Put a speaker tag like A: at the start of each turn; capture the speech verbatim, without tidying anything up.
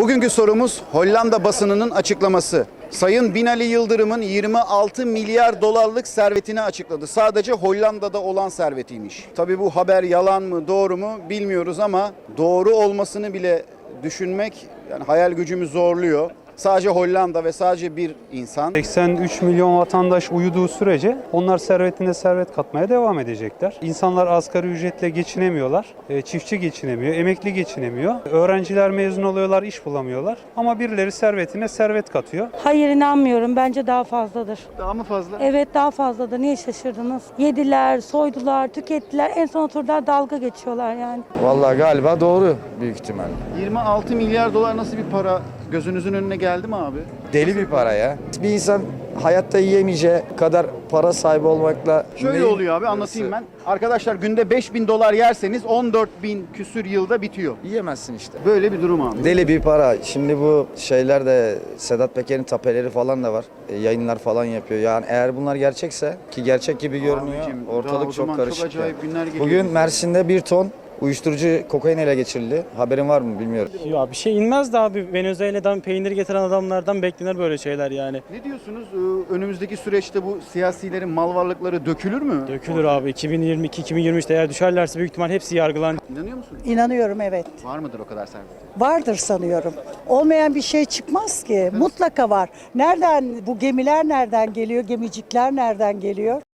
A: Bugünkü sorumuz Hollanda basınının açıklaması. Sayın Binali Yıldırım'ın yirmi altı milyar dolarlık servetini açıkladı. Sadece Hollanda'da olan servetiymiş. Tabii bu haber yalan mı, doğru mu bilmiyoruz ama doğru olmasını bile düşünmek yani hayal gücümü zorluyor. Sadece Hollanda ve sadece bir insan.
B: seksen üç milyon vatandaş uyuduğu sürece onlar servetine servet katmaya devam edecekler. İnsanlar asgari ücretle geçinemiyorlar. E, çiftçi geçinemiyor, emekli geçinemiyor. Öğrenciler mezun oluyorlar, iş bulamıyorlar. Ama birileri servetine servet katıyor.
C: Hayır, inanmıyorum. Bence daha fazladır.
A: Daha mı fazla?
C: Evet, daha fazladır. Niye şaşırdınız? Yediler, soydular, tükettiler. En son oturdular, dalga geçiyorlar yani.
D: Vallahi galiba doğru büyük ihtimalle.
A: yirmi altı milyar dolar nasıl bir para? Gözünüzün önüne geldi mi abi?
D: Deli bir para ya. Bir insan hayatta yiyemeyeceği kadar para sahibi olmakla...
A: Şöyle
D: neyin-
A: oluyor abi, anlatayım ben. Arkadaşlar günde beş bin dolar yerseniz on dört bin küsür yılda bitiyor.
D: Yiyemezsin işte.
A: Böyle bir durum abi.
D: Deli bir para. Şimdi bu şeyler de Sedat Peker'in tapeleri falan da var. E, yayınlar falan yapıyor. Yani eğer bunlar gerçekse ki gerçek gibi görünüyor.
A: Abicim, daha o
D: ortalık
A: zaman
D: çok karışık.
A: Çok acayip
D: ya.
A: günler geliyor.
D: Bugün Mersin'de bir ton uyuşturucu kokain ele geçirildi. Haberin var mı bilmiyorum.
E: Ya bir şey inmez de abi, Venezuela'dan peynir getiren adamlardan beklenir böyle şeyler yani.
A: Ne diyorsunuz? Ee, Önümüzdeki süreçte bu siyasilerin mal varlıkları dökülür mü?
E: Dökülür abi. iki bin yirmi iki iki bin yirmi üçte eğer düşerlerse büyük ihtimal hepsi yargılanır.
A: İnanıyor musun?
F: İnanıyorum, evet.
A: Var mıdır o kadar servet?
F: Vardır sanıyorum. Olmayan bir şey çıkmaz ki. Mutlaka var. Nereden bu gemiler nereden geliyor? Gemicikler nereden geliyor?